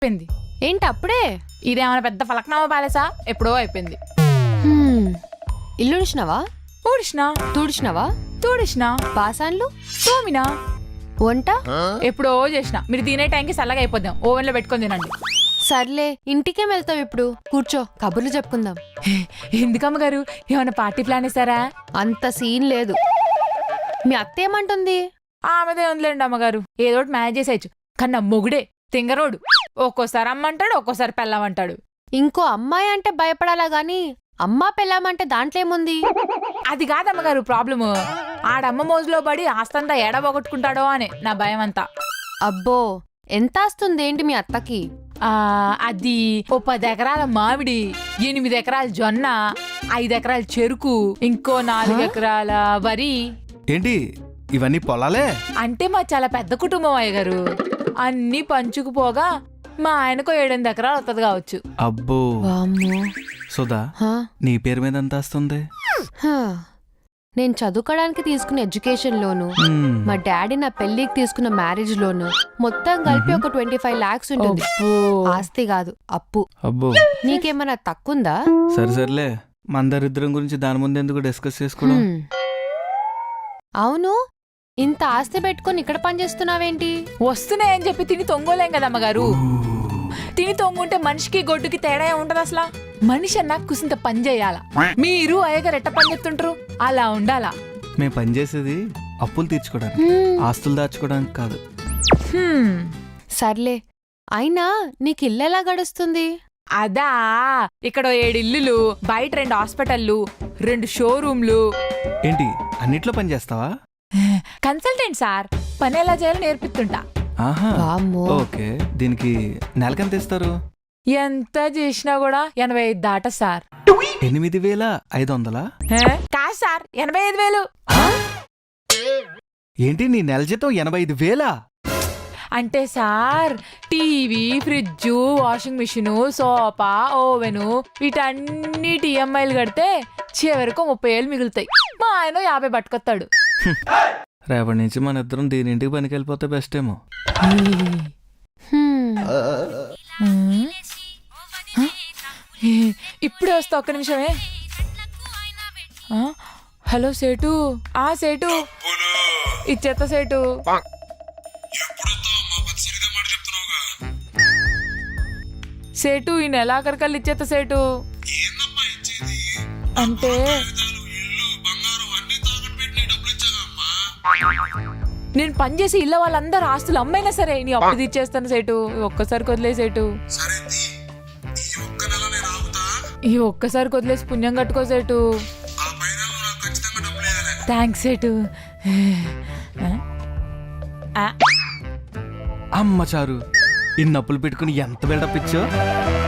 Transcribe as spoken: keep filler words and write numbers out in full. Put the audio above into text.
అయిపోయింది. ఏంటి అప్పుడే? ఇదేమైనా పెద్ద ఫలక్నామా ప్యాలెసా? ఎప్పుడో అయిపోయింది. ఇల్లు ఉడిచినావా? ఊడిసినా. తుడిచినావా? తూడిసినా. పాసాన్లు తోమినా. వంట ఎప్పుడో చేసిన. మీరు తినే టైంకి చల్లగా అయిపోద్దాం, ఓవెన్ లో పెట్టుకొని తినండి. సర్లే, ఇంటికేం వెళ్తావు ఇప్పుడు? కూర్చో, కబుర్లు చెప్పుకుందాం. ఎందుకమ్మ గారు, ఏమైనా పార్టీ ప్లాన్ ఇస్తారా? అంత సీన్ లేదు. మీ అత్త ఏమంటుంది? ఆమెదే ఉందిలేండి అమ్మగారు, ఏదోటి మేనేజ్ చేసేయచ్చు. కన్నా మొగుడే తింగరోడు. ఒక్కోసారి అమ్మంటాడు, ఒక్కోసారి పెళ్ళామంటాడు. ఇంకో అమ్మాయి అంటే భయపడాలా గాని అమ్మా పెళ్ళామంటే దాంట్లో ఏముంది? అది కాదమ్మగారు ప్రాబ్లము. ఆడమ్మ మోజులో పడి ఆస్తంతా ఎడబొగొట్టుకుంటాడో అని నా భయం అంతా. అబ్బో, ఎంత ఆస్తుంది ఏంటి మీ అత్తకి? ఆ అది ఓ పది ఎకరాల మామిడి, ఎనిమిది ఎకరాల జొన్న, ఐదు ఎకరాల చెరుకు, ఇంకో నాలుగు ఎకరాల వరి. ఏంటి ఇవన్నీ పొలాలే? అంటే మా చాలా పెద్ద కుటుంబం అయ్య గారు. అన్ని పంచుకుపోగా మా ఆయనకు ఏడెనిమిది ఎకరాలు వస్తుంది కావచ్చు. అబ్బో. సుధా, నీ పేరు మీద ఎంత వస్తుంది? నేను చదువుకోవడానికి తీసుకున్న ఎడ్యుకేషన్ లోను, మా డాడీ నా పెళ్లికి తీసుకున్న మ్యారేజ్ లోను మొత్తం కలిపి ఒక ట్వంటీ ఫైవ్ లాక్స్ ఉంటుంది. ఆస్తి కాదు, అప్పు. అబ్బో. నీకేమన్నా తక్కుందా? సరే సర్లే, మన దరిద్రం గురించి దాని ముందు ఎందుకు డిస్కస్ చేసుకోవడం? అవును, ఇంత ఆస్తి పెట్టుకుని ఇక్కడ పనిచేస్తున్నావేంటి? వస్తున్నాయని చెప్పి తిని తొంగోలేం కదమ్మగారు. తిని తొంగుంటే మనిషికి గొడ్డుకి తేడా ఉంటది అసలు. మనిషి అన్నా కుసింత పని చేయాల. మీరు అయ్యగారు ఎట్ట పని చేస్తుంటారు, అలా ఉండాలా. మేము పని చేసేది అప్పులు తీర్చుకోవడానికి, ఆస్తులు దాచుకోవడానికి కాదు. సర్లే, అయినా నీకు ఇల్లు ఎలా గడుస్తుంది? అదా, ఇక్కడ ఏడు ఇల్లులు, బయట రెండు హాస్పిటల్లు, రెండు షోరూమ్లు. ఏంటి అన్నిట్లో పని చేస్తావా? కన్సల్టెంట్ సార్, పని ఎలా చేయాలో నేర్పిస్తుంటా. ఓకే, దీనికి నెలకెంత ఇస్తారు? ఎంత చేసినా కూడా ఎనభై ఐదు దాట సార్. ఎనిమిది వేల ఐదు వందలా? కాదు సార్, ఎనభై ఐదు వేలు. ఏంటి నీ నెల జీతం ఎనభై ఐదు వేలా? అంటే sir, TV, fridge, washing machine, sofa, oven వీటన్నిటి ఈఎంఐలు కడితే చివరకు ముప్పై ఏళ్ళు మిగులుతాయి. మా ఆయన యాభై పట్టుకొస్తాడు. రేపటి నుంచి మన ఇద్దరం దీని ఇంటికి పనికి వెళ్ళిపోతే బెస్ట్ ఏమో. ఇప్పుడే వస్తా, ఒక్క నిమిషమే. హలో సేటు. ఆ సేటు ఇచ్చేత సేటు. సేటు ఈ నెలాఖరికల్లి ఇచ్చేత సేటు. అంటే నేను పనిచేసి ఇళ్ళ వాళ్ళందరూ ఆస్తులు అమ్మైనా సరే నీ అప్పు తీర్చేస్తాను సేటు. ఒక్కసారి వదిలే సేటు, ఈ ఒక్కసారి వదిలేసి పుణ్యం కట్టుకో సేటు. థ్యాంక్స్ సేటు. అమ్మ చారు, ఇన్ని అప్పులు పెట్టుకుని ఎంత బిల్డప్ ఇచ్చో.